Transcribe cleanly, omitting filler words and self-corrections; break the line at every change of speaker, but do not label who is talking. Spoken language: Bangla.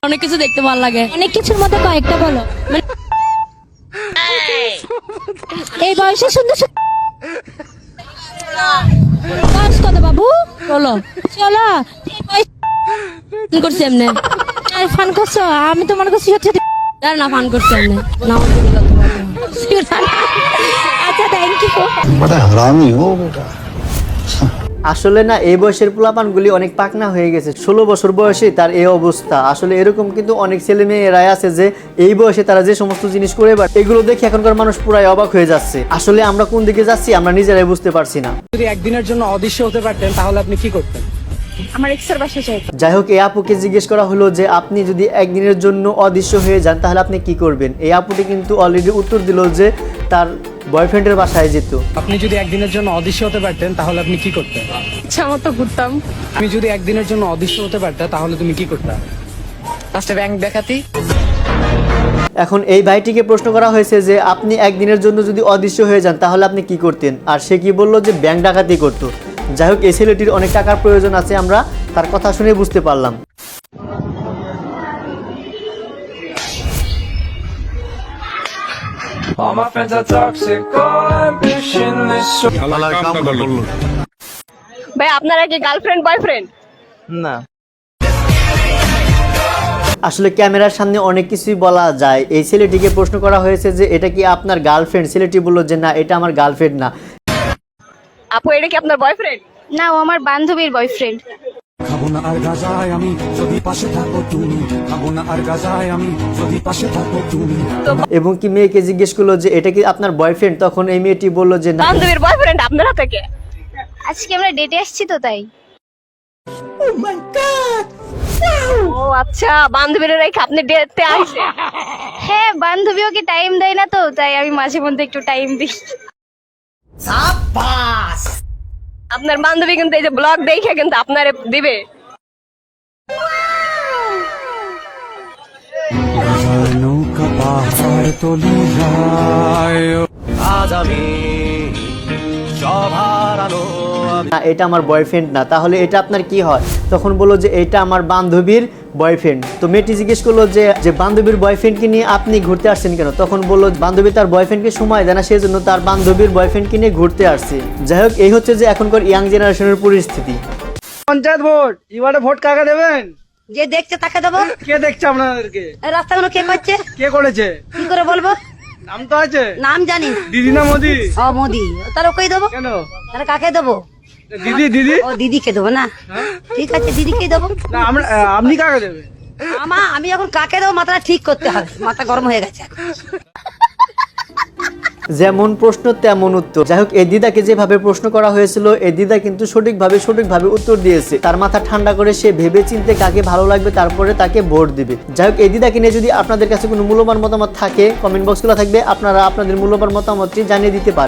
অনেক কিছু দেখতে ভালো লাগে।
অনেক কিছুর মধ্যে কয়েকটা বলো। এই বয়সে সুন্দর বয়স কত বাবু?
বলো
চলো এই বয়স
ফান করছি এমনি।
ফান করছো? আমি তো মনে করছি হচ্ছে
আর না ফান করছি এমনি না।
আচ্ছা থ্যাংক ইউ।
बड़ा हरामी हो बेटा।
আসলে না এই বয়সের পোলাপানগুলি অনেক পাকনা হয়ে গেছে। 16 বছর বয়সে তার এই অবস্থা। আসলে এরকম কিন্তু অনেক ছেলে মেয়েরাই আছে যে এই বয়সে তারা যে সমস্ত জিনিস করে এবার এগুলো দেখে এখনকার মানুষ পুরাই অবাক হয়ে যাচ্ছে। আসলে আমরা কোন দিকে যাচ্ছি আমরা নিজেরাই বুঝতে পারছি না।
যদি একদিনের জন্য অদৃশ্য হতে পারতেন তাহলে আপনি কি করতেন?
আমার এক্সের বাসা চাই।
যাই হোক, এই আপুকে জিজ্ঞেস করা হলো যে আপনি যদি একদিনের জন্য অদৃশ্য হয়ে যান তাহলে আপনি কি করবেন। এই আপুটি কিন্তু অলরেডি উত্তর দিল যে তার বয়ফ্রেন্ডের বাসায় যেত।
আপনি যদি একদিনের জন্য অদৃশ্য হতে পারতেন তাহলে আপনি কি করতেন?
ইচ্ছা মতো ঘুরতাম।
তুমি যদি একদিনের জন্য অদৃশ্য হতে পারতে তাহলে তুমি কি করতে?
ফার্স্টে ব্যাংক দেখাতি।
এখন এই ভাইটিকে প্রশ্ন করা হয়েছে যে আপনি একদিনের জন্য যদি অদৃশ্য হয়ে যান তাহলে আপনি কি করতেন, আর সে কি বলল যে ব্যাংক ডাকাতি করতো। যাই হোক, এই ছেলেটির অনেক টাকার প্রয়োজন আছে, আমরা তার কথা শুনে বুঝতে পারলাম।
All my friends are toxic, all ambitionless.
ভাই আপনারা কি গার্লফ্রেন্ড বয়ফ্রেন্ড?
না, আসলে ক্যামেরার সামনে অনেক কিছুই বলা যায়। এই ছেলেটিকে প্রশ্ন করা হয়েছে যে এটা কি আপনার গার্লফ্রেন্ড। ছেলেটি বলল যে না, এটা আমার গার্লফ্রেন্ড না।
আপু এটা কি আপনার বয়ফ্রেন্ড?
না, ও আমার বান্ধবীর বয়ফ্রেন্ড।
খাবো না আর গাজায় আমি যদি পাশে থাকো তুমি, খাবো না আর গাজায় আমি যদি পাশে থাকো তুমি।
এবং কি মেয়েকে জিজ্ঞেস করলো যে এটা কি আপনার বয়ফ্রেন্ড, তখন এই মেয়েটি বলল যে না।
বান্ধবীর বয়ফ্রেন্ড আপনারা থেকে?
আজকে আমরা ডেটে আসছি তো তাই।
ও আচ্ছা, বান্ধবীরা রেখে আপনি ডেটে আসে?
হ্যাঁ, বান্ধবী ওকে টাইম দেয় না তো তাই আমি মাঝে মধ্যে একটু টাইম দিই।
আপনার বান্ধবী কিন্তু এই যে ব্লগ দেখে কিন্তু আপনারে দিবে।
নৌকা পাহাড় তলি যায়।
না, এটা আমার বয়ফ্রেন্ড না। তাহলে এটা আপনার কি হয়? তখন বললো যে এটা আমার বান্ধবীর বয়ফ্রেন্ড। তো মেয়েটি জিজ্ঞেস করলো যে বান্ধবীর বয়ফ্রেন্ডকে নিয়ে আপনি ঘুরতে আসছেন কেন? তখন বললো বান্ধবী তার বয়ফ্রেন্ডকে সময় দেয় না, সেই জন্য তার বান্ধবীর বয়ফ্রেন্ডকে নিয়ে ঘুরতে আসছে। যাই হোক, এই হচ্ছে যে এখনকার ইয়াং জেনারেশনের পরিস্থিতি।
পঞ্চায়েত ভোট, এবারে ভোট কাকে দেবেন?
যে দেখছে তাকে দেবো।
কে দেখছে আপনাদেরকে?
রাস্তাগুলো কে করছে?
কে করেছে?
কি করে বলবো?
নাম তো আছে।
নাম জানি।
দিদি না মোদি?
ও মোদি। তাহলে ওকেই দেবো।
কেন?
তাহলে কাকে দেবো?
দিদি দিদি
ও দিদিকে দেবো না? ঠিক আছে, দিদিকেই দেবো।
না, আপনি কাকে দেবেন?
আমি এখন কাকে দেবো মাথাটা ঠিক করতে হবে, মাথা গরম হয়ে গেছে।
যেমন প্রশ্ন তেমন উত্তর। যাই হোক, এই দিদাকে যেভাবে প্রশ্ন করা হয়েছিল এই দিদা কিন্তু সঠিকভাবে উত্তর দিয়েছে। তার মাথা ঠান্ডা করে সে ভেবে চিন্তে কাকে ভালো লাগবে তারপরে তাকে ভোট দিবে। যাই হোক, এই দিদাকে নিয়ে যদি আপনাদের কাছে কোনো মূল্যবান মতামত থাকে কমেন্ট বক্সগুলো থাকবে, আপনারা আপনাদের মূল্যবান মতামতটি জানিয়ে দিতে পারেন।